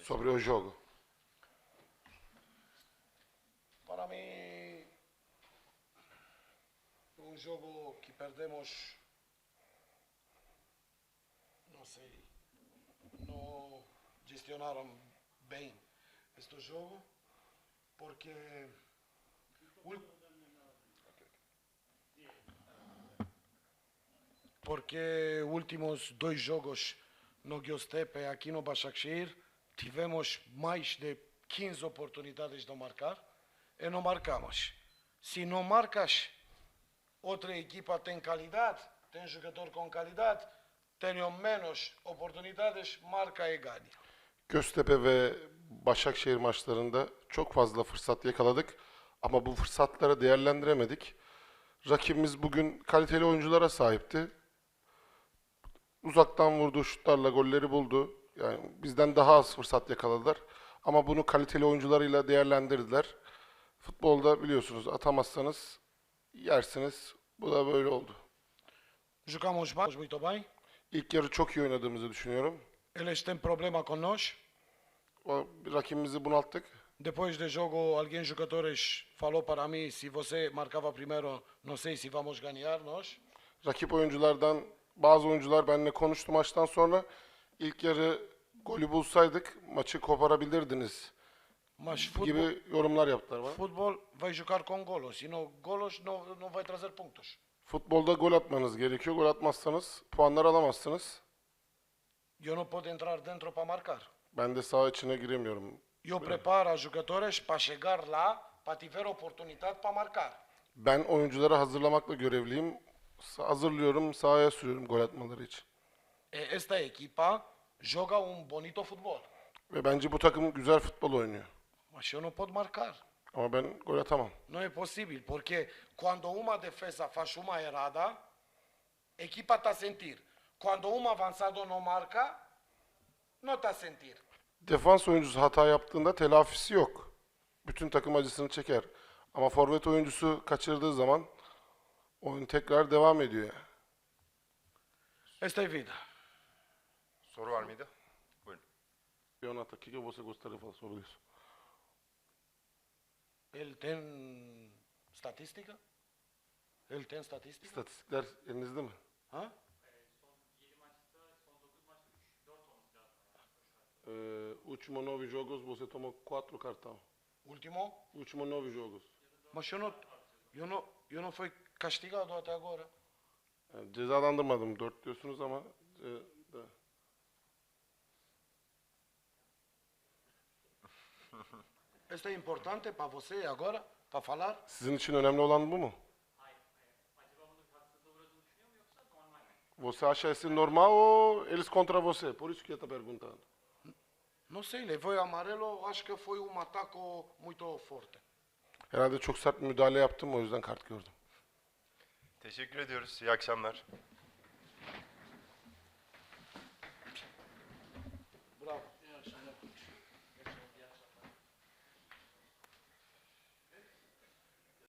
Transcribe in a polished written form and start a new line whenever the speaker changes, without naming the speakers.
sobre o jogo.
Para mim, jogo que perdemos, não sei, não gestionaram bem este jogo, porque últimos dois jogos no Göztepe aqui no Başakşehir tivemos mais de 15 oportunidades de marcar e não marcamos. Se não marcas, outra equipa tem qualidade, tem jogador com qualidade, tenham menos oportunidades, marca e ganha.
Göztepe ve Başakşehir maçlarında çok fazla fırsat yakaladık ama bu fırsatları değerlendiremedik. Rakibimiz bugün kaliteli oyunculara sahipti. Uzaktan vurduğu şutlarla golleri buldu. Yani bizden daha az fırsat yakaladılar. Ama bunu kaliteli oyuncularıyla değerlendirdiler. Futbolda biliyorsunuz atamazsanız yersiniz. Bu da böyle oldu.
Jogamos muito bem.
İlk yarı çok iyi oynadığımızı düşünüyorum.
Eles têm problema com nós.
Rakibimizi bunalttık.
Depois do jogo, alguém jogadores falou para mim, se você marcava primeiro, não sei se vamos ganhar nós.
Rakip oyunculardan bazı oyuncular benimle konuştu maçtan sonra. İlk yarı golü bulsaydık maçı koparabilirdiniz
Mas
gibi yorumlar yaptılar bana.
futebol vai jogar com golos, e no golos não vai trazer pontos.
Futbolda gol atmanız gerekiyor. Gol atmazsanız puanlar alamazsınız.
Eu não posso entrar dentro para marcar.
Ben de saha içine giremiyorum.
Eu preparo os jogadores para chegar lá, para tiver oportunidade para marcar.
Ben oyuncuları hazırlamakla görevliyim. Hazırlıyorum, sahaya sürüyorum gol atmaları için.
Esta equipa joga bonito futebol,
Ve bence bu takım güzel futbol oynuyor.
mas eu não posso marcar.
Ama ben gol atamam.
Não é possível, porque quando uma defesa faz uma errada, a equipa está a sentir. Quando um avançado não marca, não está a sentir.
Defans oyuncusu hata yaptığında telafisi yok. Bütün takım acısını çeker. Ama forvet oyuncusu kaçırdığı zaman oyun tekrar devam ediyor.
Esta é vida.
Soru var mıydı? Buyurun.
Leonardo, o que você gostaria de falar sobre isso?
Ele tem estatística? Ele tem estatística?
İstatistikler elinizde mi?
Hã?
Último 9 jogos você tomou 4 cartão.
Último?
Último 9 jogos.
Mas eu não fui castigado até agora.
Yani cezalandırmadım 4 diyorsunuz ama
Isto é importante para você agora, para falar?
sizin için önemli olan bu mu? Você acha esse normal ou eles contra você? Por isso que eu estou perguntando.
Não sei, levou amarelo, acho que foi ataque muito forte.
Herhalde çok sert bir müdahale yaptım o yüzden kart gördüm.
Teşekkür ediyoruz. İyi akşamlar.